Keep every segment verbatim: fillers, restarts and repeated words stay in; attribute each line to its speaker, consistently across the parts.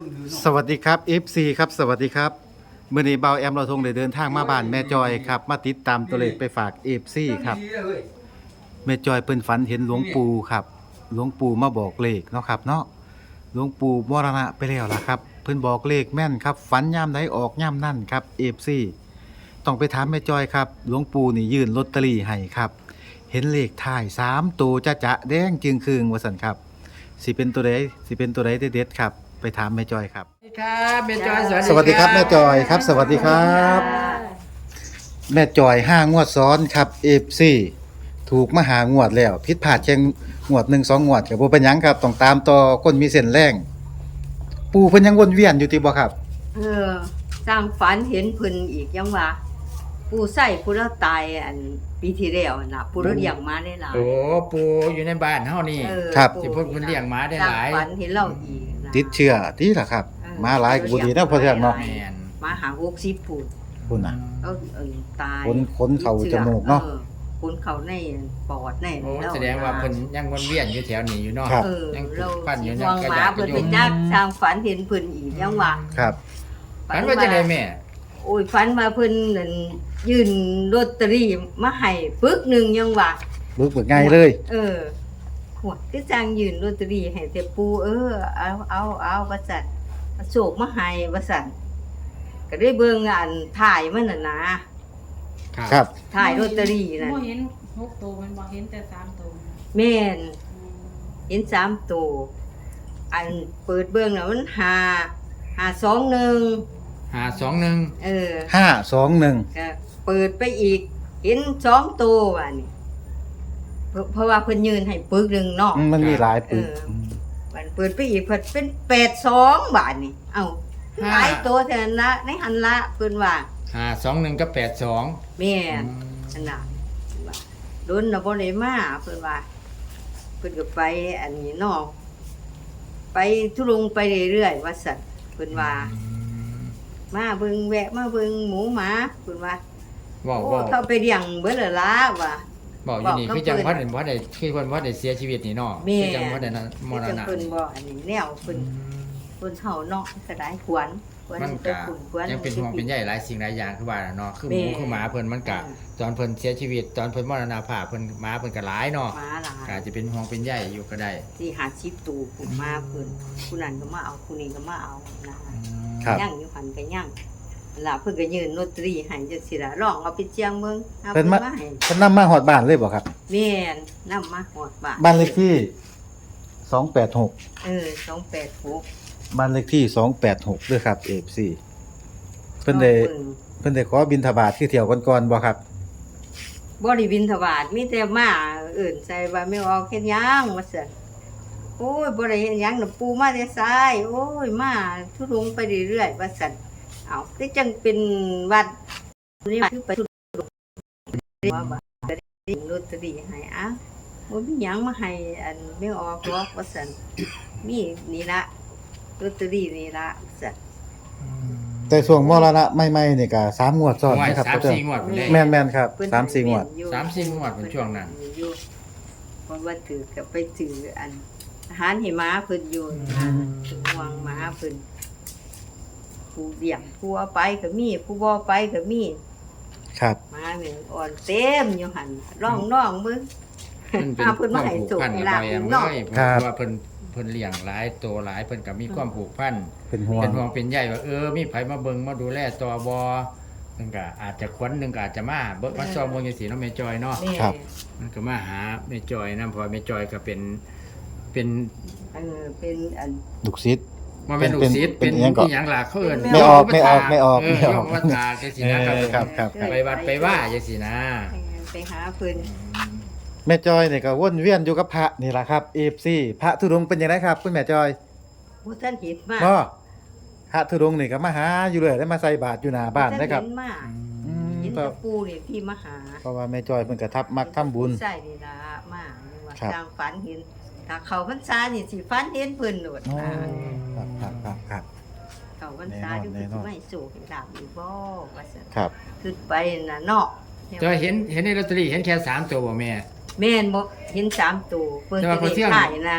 Speaker 1: สวัสดีครับ เอฟ ซี ครับสวัสดีครับเมื่อนี้เบาแอมเราทงได้เดินทางมาบ้านแม่จอยครับมาติดตามตัวเลขไปฝาก เอฟ ซี ครับแม่จอยเพิ่นฝันเห็นหลวงปู่ครับหลวงปู่มาบอกเลขเนาะครับเนาะหลวงปู่มรณะไปแล้วล่ะครับเพิ่นบอกเลขแม่นครับฝันยามใดออกยามนั่นครับ เอฟ ซี ต้องไปถามแม่จอยครับหลวงปู่นี่ยื่นลอตเตอรี่ให้ครับเห็นเลขท้ายสามตัวจะจะแดงจึงคืงว่าซั่นครับสิเป็นตัวใดสิเป็นตัวใดเด็ดๆครับไปถามแม่จอยครับ
Speaker 2: สวัสดีครับแม่จอย
Speaker 1: สวัสดีครับแม่จอยครับสวัสดีครับแม่จอยห้างวดซ้อนครับ เอฟ ซี ถูกมาหางวดแล้วผิดพลาดแค่งวดหนึ่ง สองงวดก็บ่เป็นหยังครับต้องตามต่อคนมีเส้นแรงปู่เพิ่นยังวนเวียนอยู่ติบ่ครับ
Speaker 3: เออสร้างฝันเห็นเพิ่นอีกยังว่าผู้ใส่ผู้ละตายอันปีที่แล้วน่ะผู้ละเลี้ยงมาได้หลาย
Speaker 2: โอ้ปูอยู่ในบ้านเฮานี่
Speaker 3: เออ
Speaker 1: ครับ
Speaker 2: ที่เพิ่นเพิ่นเลี้ยงม้าได้หลาย
Speaker 3: สร้งฝันเห็นเราอีกนะ
Speaker 1: ติดเชื้อติล่ะครับ
Speaker 3: เออ
Speaker 1: มาหลายก็บ่ดีนะพ่อเทืองเนาะ
Speaker 2: แม่น
Speaker 3: มาหาหกสิบผู้
Speaker 1: พุ่นน่ะ
Speaker 3: เออเออตาย
Speaker 1: ขนขนเข้าจมูกเนาะ
Speaker 3: ออขนเข้าในปอดใน
Speaker 2: โอ้
Speaker 3: ล้
Speaker 2: แสดงว่าเพิ่นยังวนเวียนอยู่แถวนี้อยู่เนาะ
Speaker 1: ครับ
Speaker 3: เออ
Speaker 2: ยัง
Speaker 3: เรา
Speaker 2: ปั้นอยู่
Speaker 3: สิ
Speaker 2: ยั
Speaker 3: ว
Speaker 2: ง
Speaker 3: ง
Speaker 2: กระ
Speaker 3: หมา
Speaker 2: ยักก
Speaker 3: เพิ่
Speaker 2: ระ
Speaker 3: น
Speaker 2: ยุ
Speaker 3: ไป
Speaker 2: ง
Speaker 3: จักสร้างฝันเห็นเพิ่นอีกยังว่า
Speaker 1: ครับ
Speaker 2: ฝันว่าจังได๋แม่
Speaker 3: โอ้ยฝันว่าเพิ่นนั่นยื่นลอตเตอรี่มาให้ปึกหนึงยังว่า
Speaker 1: บึกบึกง่ายเลย
Speaker 3: เออหัวคือจางยืนลอตเตอรี่ให้แต่ปูเออเอาเอาเอาว่าซั่นเอาโศกมาให้ว่าซั่นก็ได้เบิ่งอันถ่ายมันน่ะนะครับ ถ่ายลอตเตอรี่นั่น
Speaker 4: บ่เห็นหกตัวมันบ่เห็นแต่สามตัว
Speaker 3: แม่น
Speaker 4: อืม
Speaker 3: เห็นสามตัวอันเปิดเบิ่งน่ะมันห้า ห้าสองหนึ่ง
Speaker 2: ห้าสองหนึ่ง
Speaker 3: เออ
Speaker 1: ห้าสองหนึ่ง
Speaker 3: ก็เปิดไปอีก เห็นสองตัวว่านี่เพราะเพราะว่าเพิ่นยืนให้ปึกหนึงเนาะ
Speaker 1: มันมีหลายปึก
Speaker 3: เออ มันเปิดไปอีกเพิ่นเป็นแปดสองบาทนี่ เอ้าหลายตัวเท่านั้นละในหันละเพิ่นว่า
Speaker 2: ห้าสองหนึ่งกับแปดสอง
Speaker 3: แม่นอันน่ะว่าโดนน่ะบ่ได้มาเพิ่นว่าเพิ่นก็ไปอันนี้เนาะไปทุรงไปเรื่อยๆว่าซั่นเพิ่นว่า มาเบิ่งแวะมาเบิ่งหมูหมาเพิ่นว่า
Speaker 2: บอก
Speaker 3: โอ้
Speaker 2: บอก
Speaker 3: เขาไปเลี้ยงเบิดแล้วล่ะว่า
Speaker 2: บอกอยู่นี่
Speaker 3: บอกกับ
Speaker 2: คือจัง
Speaker 3: เพิ่
Speaker 2: ว่าน ได้ว่าได้คือเพิ่นว่าได้เสียชีวิตนี่เนาะ
Speaker 3: แม่
Speaker 2: คือจังว่าได้นั้นมร
Speaker 3: จัง
Speaker 2: ณะ
Speaker 3: เพิ่นบ่อันนี้แนวเพิ่นเพิ่นเฮาเนาะก็ได้ขวัญขวัญ
Speaker 2: มัน
Speaker 3: ไป
Speaker 2: ก็
Speaker 3: ขุนขวัญ
Speaker 2: ยังเป็นห่วงเป็นใยหลายสิ่งหลายอย่างคือว่าเนาะคือหมู
Speaker 3: แม่
Speaker 2: คือหมาเพิ่นมันก็ตอนเพิ่นเสียชีวิตตอนเพิ่นมรณภาพเพิ่นหมาเพิ่นก็หลายเนาะ
Speaker 3: หมาหลา
Speaker 2: ก็
Speaker 3: ย
Speaker 2: อาจจะเป็นห่วงเป็นใยอยู่ก็ได้
Speaker 3: ที่หาชิปตูผู้มาเพิ่นผู้นั้นก็มาเอาผู้นี้ก็มาเอานะ
Speaker 1: ครับ
Speaker 3: ย่างอยู่หันก็ย่างล่ะเพิ่นก็ยืนลอตเตอรี่ให้จังซี่ล่ะลองเอาไปเจียงเบิ่งเอา
Speaker 1: เพิ่
Speaker 3: เพิ่
Speaker 1: น
Speaker 3: น
Speaker 1: มา
Speaker 3: มาให้
Speaker 1: เพิ่นนำมาฮอดบ้านเลยบ่ครับ
Speaker 3: แม่นนำมาฮอดบ้าน
Speaker 1: บ้านเลขที่สองแปดหก
Speaker 3: เออสองแปดหก
Speaker 1: บ้านเลขที่สองแปดหกด้วยครับ เอฟ ซี เพิ่นได้
Speaker 3: อาบิ่ง
Speaker 1: เพิ่นได้ขอบิณฑบาตคือเที่ยวก่อนๆบ่ครับ
Speaker 3: บ่ได้บิณฑบาตมีแต่มาเอิ้นใส่ว่าไม่ออกเฮ็ดหยังว่าซั่นโอ้ยบ่ได้เฮ็ดหยังน่ะปู่มาแต่ซ้ายโอ้ยมาทุรงไปเรื่อยๆว่าซั่นเอ้าคือจังเป็นวัดนี่คือไปทุรงว่าบ่ได้ลอตเตอรี่ให้อ่ะบ่มีหยังมาให้อันไม่ออกหรอกว่าซั่นมีนี่ละลอตเตอรี่นี่ละว่าซั่น
Speaker 1: แต่ช่วงมรณะใหม่ๆนี่ก็สามงวดซ้อน
Speaker 2: ว่า
Speaker 1: นะครับ
Speaker 2: สาม
Speaker 1: พ่อเจ้า
Speaker 2: สี่งวดพุ่นเด้
Speaker 1: แม่นๆครับสามสี่งวด
Speaker 2: สามสี่งวดเป็นช่วงนั้น
Speaker 3: อยู่เพราะว่าถือกับไปถืออันอาหารให้ม้าเพิ่นอยู่นะถึงวางม้าเพิ่นผู้เลี้ยงผู้เอาไปก็มีผู้บ่ไปก็มี
Speaker 1: ครับ
Speaker 3: ม้าแม่งอ่อนเต็มอยู่หั่นร่องน้องเบิ่ง
Speaker 2: มันเป็น
Speaker 3: อ้าวเพิ่น
Speaker 2: ควา
Speaker 3: มา
Speaker 2: ม
Speaker 3: ให้
Speaker 2: ผูก
Speaker 3: สุข
Speaker 2: พัน
Speaker 3: ให้
Speaker 2: กับ
Speaker 3: ลา
Speaker 2: เรา
Speaker 3: บ
Speaker 2: เอง
Speaker 3: เนาะ
Speaker 2: เลยเพ
Speaker 1: ครับ
Speaker 2: ราะว่าเพิ่นเพิ่นเลี้ยงหลายตัวหลายเพิ่นก็มีความผูกพัน
Speaker 1: เป็นห่วง
Speaker 2: เป็นห่วงเป็นใยว่าเออมีไผมาเบิ่งมาดูแลตัวบ่เพิ่นก็อาจจะคนหนึงก็อาจจะมาเบิ่งมาซ้อมเบิ่งจังซี่เนาะแม่จอยเนาะ
Speaker 3: แม่
Speaker 1: ครับ
Speaker 2: มันก็มาหาแม่จอยนำเพราะว่าแม่จอยก็เป็นเป็น
Speaker 3: เออเป็นอัน
Speaker 1: ลูกศิษย์
Speaker 2: บ่แม่นลูกศิษย์
Speaker 1: เป็
Speaker 2: เป็น น
Speaker 1: อิหยังก่อน
Speaker 2: อีหยังล่ะเขาเอิ้น
Speaker 1: ไม่ออกไม่ออกไม่ออก
Speaker 2: เอ
Speaker 1: ไม่ออก
Speaker 2: โยมวัดตาจังซี่นะครับ
Speaker 1: เออครับครับครับ
Speaker 2: ไปวัดไปว่าจังซี่นะ
Speaker 3: ไปหาเพิ่น
Speaker 1: แม่จอยนี่ก็วนเวียนอยู่กับพระนี่ล่ะครับ เอฟ ซี พระธุดงค์เป็นจังไดครับคุณแม่จอย
Speaker 3: บ่ทันเห็นมา
Speaker 1: บ่พระธุดงค์นี่ก็มาหาอยู่เรื่อยได้มาใส่บาตรอยู่หน้าบ้านนะครับ
Speaker 3: เห็นมา
Speaker 1: อืม
Speaker 3: เห็น
Speaker 1: เพราะ
Speaker 3: แตะปูนี่ที่มาหา
Speaker 1: เพราะว่าแม่จอยเพิ่นก็ทับมักทำบุญ
Speaker 3: ใช่นี่ละมาว่า
Speaker 1: ครับ
Speaker 3: จางฝันเห็นถ้าเขาพรรษานี่สิฝันเห็นเพิ่นโลด
Speaker 1: อ๋อ
Speaker 3: อ่า
Speaker 1: ครับครับครับครับ
Speaker 3: เขาพรรษา
Speaker 1: แน่นอน
Speaker 3: อยู่
Speaker 1: แน่นอน
Speaker 3: ไม่สูให้ลาบอีบ่ว่าซั่น
Speaker 1: ครับ
Speaker 3: ขึ้นไปน่ะเนาะ
Speaker 2: แต่ว่าเห็นเห็นในลอตเตอรี่เห็นแค่สามตัวบ่แม่
Speaker 3: แม่นบ่เห็นสามตัวเพิ่น
Speaker 2: แต่
Speaker 3: จะ
Speaker 2: ว่าพอ
Speaker 3: ได้
Speaker 2: เที่ยง
Speaker 3: ขายนะ
Speaker 2: พ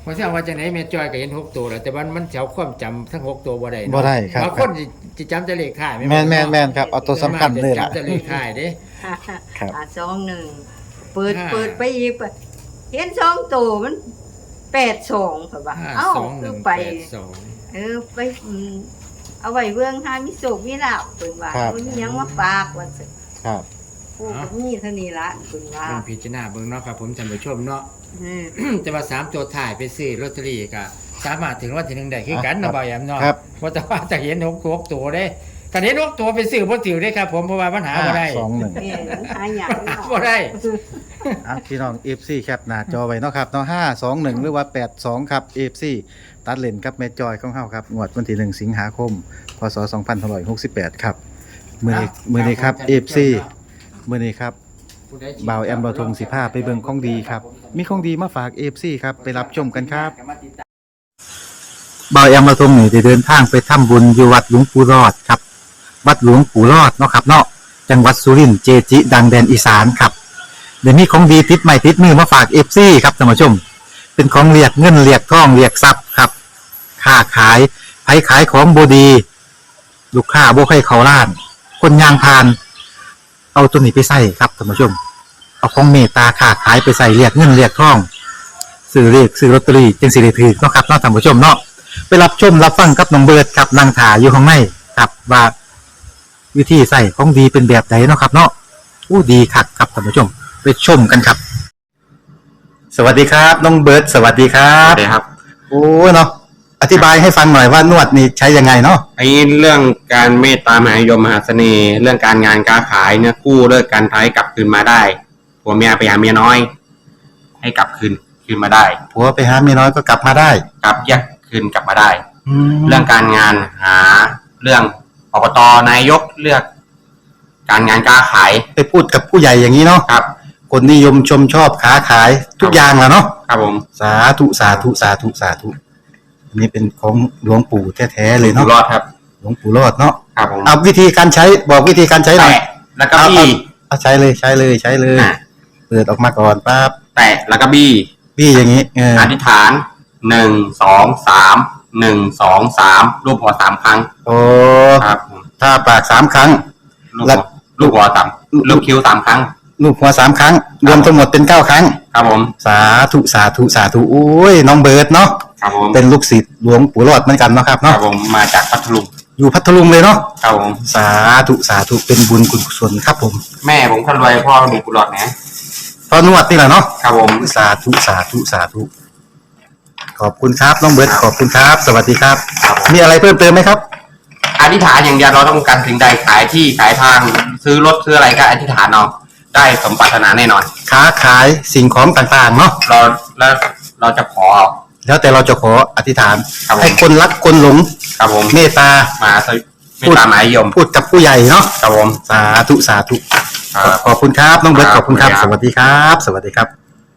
Speaker 2: เพราะฉะนั้นว่าจังไหนแม่จอยก็เห็นหกตัวแล้วแต่ว่ามันเฉาความจำทั้งหกตัวบ่ได้เนาะ
Speaker 1: บ่ได้ครับ
Speaker 2: บางคนสิสิจำแต่เลขท้าย
Speaker 1: แม่นแม่นแม่นครับเอาตัวสำคัญเลยล่ะ
Speaker 2: จำแต่เลขท้ายเด้
Speaker 1: ครับ
Speaker 3: หาสองหนึ่งเปิด
Speaker 2: ห้า
Speaker 3: เปิดไปอีกเห็นสองตัวมันแปดสองเปล่า
Speaker 2: ห้า
Speaker 3: เอ้า
Speaker 2: สองห
Speaker 3: คื
Speaker 2: นึ่
Speaker 3: อง ไป
Speaker 2: แปดสอง
Speaker 3: เออไปอืมเอาไว้เบื้องหามิโศกมิลาบเพิ่นว่า
Speaker 1: ครับ
Speaker 3: มันมีหยังมาฝากว่าซั่น
Speaker 1: ครับ
Speaker 3: ผู้ก็มีเท่านี้ละเพิ่นว่า
Speaker 2: ลองพิจารณาเบิ่งเนาะครับผมท่านผู้ชมเนาะ
Speaker 3: อืม
Speaker 2: จะมาสามตัวถ่ายไปซื้อลอตเตอรี่ก็สามารถถึงวันที่หนึ่งได้คือกันเนาะบ่าวแอมเนาะ
Speaker 1: ครับ
Speaker 2: ว่าแต่ว่าจะเห็นหกตัวหกตัวเด้ถ้าเห็นหกตัวไปซื้อบ่ถือได้ครับผมเพราะว่ามันหาบ่ได้
Speaker 1: สองหนึ่ง
Speaker 3: แม่นหาหยัง
Speaker 2: หาบ่ได้
Speaker 1: อ่ะพี่น้อง เอฟ ซี แคปหน้าจอไว้เนาะครับเนาะห้า สอง หนึ่งหรือว่าแปด สองครับ เอฟ ซี ตัดเลนครับแม่จอยของเฮาครับงวดวันที่หนึ่งสิงหาคมพศสองพันห้าร้อยหกสิบแปดครับมื้อนี้มื้อนี้ครับ เอฟ ซี มื้อนี้ครับบ่าวแอมเราทงสิพาไปเบิ่งของดีครับ มีของดีมาฝาก เอฟ ซี ครับไปรับชมกันครับบ่าวแอมเราทงนี่ได้เดินทางไปทำบุญอยู่วัดหลวงปู่รอดครับ วัดหลวงปู่รอดเนาะครับเนาะจังหวัดสุรินทร์เจจิ ดังแดนอีสานครับเดี๋ยวนี้ของดีติดใหม่ติดมือมาฝาก เอฟ ซี ครับท่านผู้ชม เป็นของเรียกเงินเรียกทองเรียกทรัพย์ครับค้าขายไผขายของบดี ลูกค้าบ่ใครเขาล้าน คนยางพาน เอาตัวนี้ไปใส่ครับท่านผู้ชม เอาของเมตตาค้าขายไปใส่เรียกเงินเรียกทองซื้อเรียกซื้อลอตเตอรี่จึงสิได้ถือเนาะครับเนาะท่านผู้ชมเนาะไปรับชมรับฟังกับน้องเบิร์ดครับนางถาอยู่ข้างในครับว่าวิธีใส่ของดีเป็นแบบไหนเนาะครับเนาะอู้ดีคักครับท่านผู้ชมไปชมกันครับ สวัสดีครับน้องเบิร์ดสวัสดีครั
Speaker 5: ครับ บครับ
Speaker 1: โอ้เนาะอธิบายให้ฟังหน่อยว่านวดนี่ใช้ยังไงเนาะ
Speaker 5: ไอ้เรื่องการเมตตามหานิยมมหาเสน่ห์ เรื่องการงานการขายเนี่ยกู้เลิกการท้ายกลับคืนมาได้ผัวเมียไปหาเมียน้อย ให้กลับคืนคืนมาได้
Speaker 1: ผัวไปหาเมียน้อยก็กลับมาได้
Speaker 5: กลับแยกคืนกลับมาได้
Speaker 1: แล้
Speaker 5: เรื่
Speaker 1: ว
Speaker 5: องการงานหาเรื่องอบตนายกเลือก การงานการขาย
Speaker 1: ไปพูดกับผู้ใหญ่อย่างนี้เนาะ
Speaker 5: ครับ
Speaker 1: คนนิยมชมชอบค้าขายทุกอย่างแหล้วเนาะ
Speaker 5: ครับผม
Speaker 1: สาธุสาธุสาธุสาธุอันนี้เป็นของหลวงปู่แท้ๆเลย
Speaker 5: อยู่
Speaker 1: เนาะ
Speaker 5: รอดครับ
Speaker 1: หลวงปู่รอดเนาะ
Speaker 5: ครับผม
Speaker 1: เอาวิธีการใช้บอกวิธีการใช้หน่อย
Speaker 5: แตะแล้วก็บี้
Speaker 1: เอาใช้เลยใช้เลยใช้เลย
Speaker 5: อ่ะ
Speaker 1: เปิดออกมาก่อนปั๊บ
Speaker 5: แตะแล้วก็บี้
Speaker 1: พี่อย่างนี้เออ
Speaker 5: อธิษฐานหนึ่งสองสามหนึ่งสองสามรูปหัวสามครั้ง
Speaker 1: โอ้
Speaker 5: ครับผม
Speaker 1: ถ้าปากสามครั้ง
Speaker 5: ลูก
Speaker 1: แล้
Speaker 5: หั
Speaker 1: ว
Speaker 5: วลูกหัวสามลูกคิ้วสามครั้ง
Speaker 1: ลูกหัวสามครั้ง รวมทั้งหมดเป็นเก้าครั้ง
Speaker 5: ครับผม
Speaker 1: สาธุสาธุสาธุโอ้ยน้องเบิร์ดเนาะ
Speaker 5: ครับผม
Speaker 1: เป็นลูกศิษย์หลวงปู่รอดเหมือนกันเนาะครับ
Speaker 5: ครั
Speaker 1: เนาะ
Speaker 5: บผมมาจากพัทลุง
Speaker 1: อยู่พัทลุงเลยเนาะ
Speaker 5: ครับผม
Speaker 1: สาธุสาธุเป็นบุญกุศลครับผม
Speaker 5: แม่ผมคนรวยพ่อมีกุหลาบนะ
Speaker 1: ตอนนวดนี่แหละเนาะ
Speaker 5: ครับผม
Speaker 1: สาธุสาธุสาธุขอบคุณครับน้องเบิร์ดขอบคุณครับ สวัสดีครับ
Speaker 5: ครับผม
Speaker 1: มีอะไรเพิ่มเติมไหมครับ
Speaker 5: อธิษฐานอย่างเดียวเราต้องการสิ่งใดขายที่ขายทางซื้อรถซื้ออะไรก็อธิษฐานเอาได้สมปรารถนาแน่นอน
Speaker 1: ค้าขายสิ่งของต่างๆเนาะ
Speaker 5: เราแล้วเราจะขอ
Speaker 1: แล้วแต่เราจะขออธิษฐาน
Speaker 5: ครับผม
Speaker 1: ให้คนรักคนหลง
Speaker 5: ครับผม
Speaker 1: เมตตา
Speaker 5: มาสวิไม่ตามหมายยม
Speaker 1: พูดกับผู้ใหญ่เนาะ
Speaker 5: ครับผม
Speaker 1: สาธุสาธุ
Speaker 5: ครับ
Speaker 1: ขอบคุณครับน้องเบิร์ต
Speaker 5: ค
Speaker 1: ข
Speaker 5: รับ
Speaker 1: อบคุณครับ
Speaker 5: ขอบ
Speaker 1: ส
Speaker 5: คุณครับ
Speaker 1: วัสดีครับ สวัสดีครับ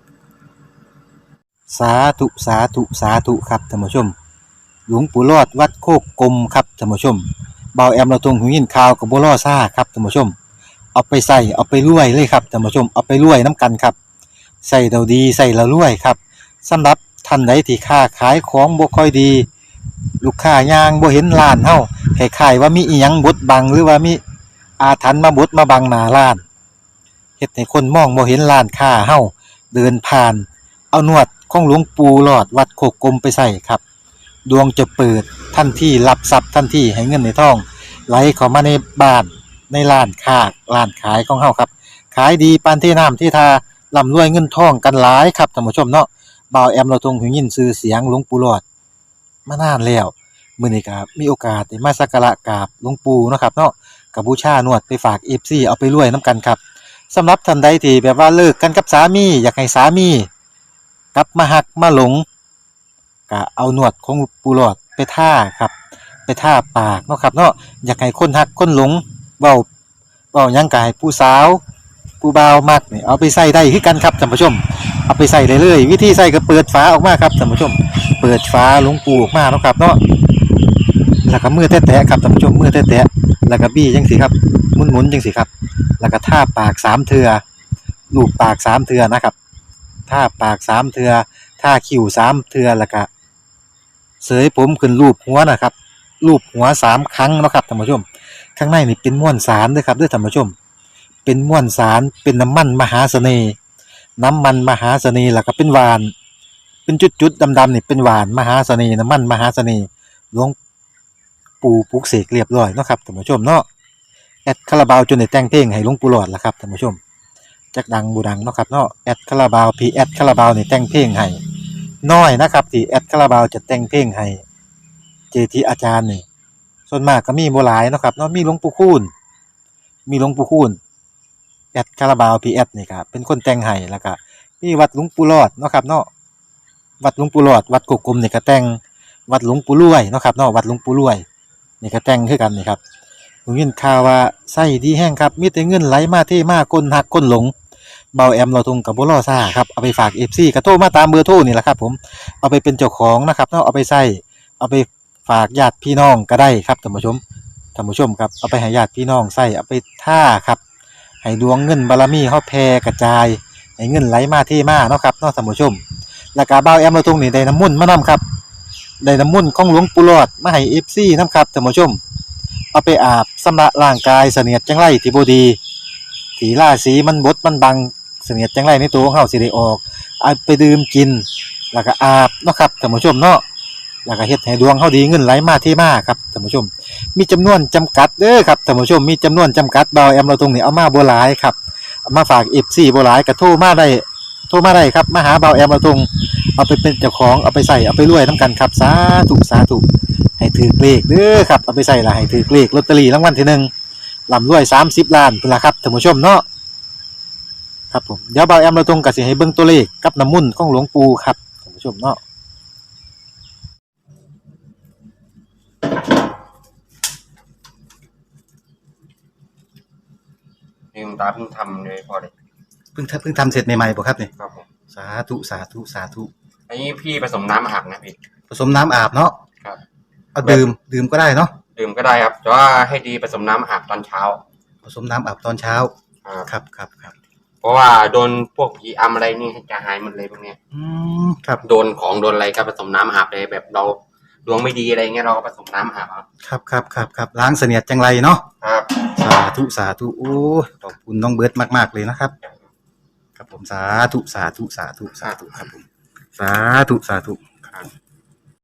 Speaker 1: สาธุสาธุสาธุครับท่านผู้ชม หลวงปู่รอดวัดโคกกลมครับท่านผู้ชมเบาแอมเราตรงหูยินข่าวกับบัวล่อซ่าครับท่านผู้ชม เอาไปใส่เอาไปรวยเลยครับท่านผู้ชมเอาไปรวยน้ำกันครับใส่เราดีใส่เรารวยครับสำหรับท่านใดที่ค้าขายของบ่ค่อยดี ลูกค้ายางบ่เห็นร้านเฮาคล้ายๆว่ามีอีหยังบดบังหรือว่ามีอาถรรพ์มาบดมาบังหน้าร้านเฮ็ดให้คนมองบ่เห็นร้านค้าเฮาเดินผ่าน เอานวดของหลวงปู่หลอดวัดโคกกลมไปใส่ครับ ดวงจะเปิดทันทีรับทรัพย์ทันทีให้เงินในท้องไหลเข้ามาในบ้านในร้านค้าร้านขายของเฮาครับ ขายดีปานที่น้ำที่ทาร่ำรวยเงินทองกันหลายครับท่านผู้ชมเนาะบ่าวแอมเราทรงหูยินชื่อเสียงหลวงปู่หลอดมานานแล้วมื้อนี้ก็มีโอกาสได้มาสักการะกราบหลวงปู่เนาะครับเนาะก็บูชานวดไปฝาก เอฟ ซี เอาไปรวยนํกันครับสำหรับท่านใดที่แบบว่าเลิกกันกับสามีอยากให้สามีกลับมาหักมาหลงก็เอานวดของปู่หลอดไปท่าครับไปท่าปากเนาะครับเนาะอยากให้คนหักคนหลงเว้าเว้าหยังก็ให้ผู้สาวผู้บ่าวมักนี่เอาไปใส่ได้คือกันครับท่านผู้ชมเอาไปใส่ได้เลยวิธีใส่ก็เปิดฝาออกมาครับท่านผู้ชมเปิดฝาหลวงปู่ออกมาเนาะครับเนาะแล้วก็มือแตะๆครับท่านผู้ชมมือแตะๆแล้วก็บี้จังซี่ครับหมุนๆจังซี่ครับแล้วก็ท่าปากสามเทื่อลูบปากสามเทื่อนะครับท่าปากสามเทื่อททาคิ้วสามเทื่อแล้วก็เสยผมขึ้นรูปหัวนะครับรูปหัวสามครั้งเนาะครับท่านผู้ชมข้างในนี่เป็นม้วนสารเด้อครับเด้อท่านผู้ชมเป็นม้วนสารเป็นน้ำมันมหาเสน่ห์น้ำมันมหาเสน่ห์แล้วก็เป็นหวานเป็นจุดๆดำๆนี่เป็นหวานมหาเสน่ห์น้ำมันมหาเสน่ห์หลวงปู่ปลุกเสกเรียบร้อยเนาะครับท่านผู้ชมเนาะแอดคาราบาวจนได้แต่งเพลงให้หลวงปู่หลอดล่ะครับท่านผู้ชมจักดังบูดังเนาะครับเนาะแอดคาราบาวพีแอดคาราบาวนี่แต่งเพลงให้น้อยนะครับที่แอดคาราบาวจะแต่งเพลงให้เจทีอาจารย์นี่ส่วนมากก็มีบ่หลายเนาะครับเนาะมีหลวงปู่คูณมีหลวงปู่คูณแอดคาราบาวพีแอดนี่ครับเป็นคนแต่งให้แล้วก็มีวัดหลวงปู่หลอดเนาะครับเนาะวัดหลวงปู่หลอดวัดกุกกลมนี่ก็แต่งวัดหลวงปู่รวยเนาะครับเนาะวัดหลวงปู่รวยนี่ก็แต่งคือกันนี่ครับผมยินข่าวว่าไส้ดีแห้งครับมีแต่เงินไหลมาเทมาก้นหักก้นหลงเบาแอมเราทงกับบ่รอซ่าครับเอาไปฝาก เอฟ ซี ก็โทรมาตามเบอร์โทรนี่แหละครับผมเอาไปเป็นเจ้าของนะครับเนาะเอาไปใส่เอาไปฝากญาติพี่น้องก็ได้ครับท่านผู้ชมท่านผู้ชมครับเอาไปให้ญาติพี่น้องใส่เอาไปท่าครับให้ดวงเงินบารมีเฮาแผ่กระจายให้เงินไหลมาเทมาเนาะครับเนาะท่านผู้ชมแล้วก็เบาแอมเราทงนี่ได้น้ำมนต์มานํครับได้น้ำมนต์ของหลวงปู่หลอดมาให้ เอฟ ซี นํครับท่านผู้ชมเอาไปอาบชำระร่างกายเสนียดจังไรที่บ่ดีที่ราศีมันบดมันบังเสนียดจังไรในตัวของเฮาสิได้ออกเอาไปดื่มกินแล้วก็อาบเนาะครับท่านผู้ชมเนาะแล้วก็เฮ็ดให้ดวงเฮาดีเงินไหลมาเทมาครับท่านผู้ชมมีจำนวนจำกัดเด้อครับท่านผู้ชมมีจำนวนจำกัดเบาแอมเราตรงนี้เอามาบ่หลายครับเอามาฝาก เอฟ ซี บ่หลายก็โทรมาได้โทรมาได้ครับมาหาเบาแอมเราตรงเอาไปเป็นเจ้าของเอาไปใส่เอาไปรวยนํกันครับสาธุสาธุให้ถือเลขเด้อครับเอาไปใส่ละให้ถือเลขลอตเตอรี่รางวัลที่หนึ่งร่ำรวยสามสิบล้านพุ่นล่ะครับท่านผู้ชมเนาะครับผมเดี๋ยวเบาแอมเราตรงก็สิให้เบิ่งตัวเลขกับน้ำมนต์ของหลวงปู่ครับท่านผู้ชมเนาะ
Speaker 5: นี่คุณตาเพิ่งทำเลยพอเลย
Speaker 1: เพิ่งทำเพิ่งทำเสร็จใหม่ๆบ่ครับนี่
Speaker 5: ครับผม
Speaker 1: สาธุสาธุสาธุ
Speaker 5: อันนี้พี่ผสมน้ำอาบนะพี่
Speaker 1: ผสมน้ำอาบเนาะ
Speaker 5: ครับ
Speaker 1: เอาดื่มดื่มก็ได้เนาะ
Speaker 5: ดื่มก็ได้ครับแต่ว่าให้ดีผสมน้ำอาบตอนเช้า
Speaker 1: ผสมน้ำอาบตอนเช้า
Speaker 5: ครับ
Speaker 1: ครับครับครับ
Speaker 5: เพราะว่าโดนพวกผีอำอะไรนี่จะหายหมดเลยพวกเนี้ย
Speaker 1: อืมครับ
Speaker 5: โดนของโดนอะไรก็ผสมน้ำอาบเลยแบบเราดวงไม่ดีอะไรเงี้ยเราก็ผสมน้ำอาบครับ
Speaker 1: ครับครับครับครับล้างเสนียดจังไรเนาะ
Speaker 5: ครับ
Speaker 1: สาธุสาธุโอ้ยขอบคุณน้องเบิร์ตมากๆเลยนะครับครับผมสาธุสาธุสาธุสาธุครับผมสาธุสาธุ
Speaker 5: ครับ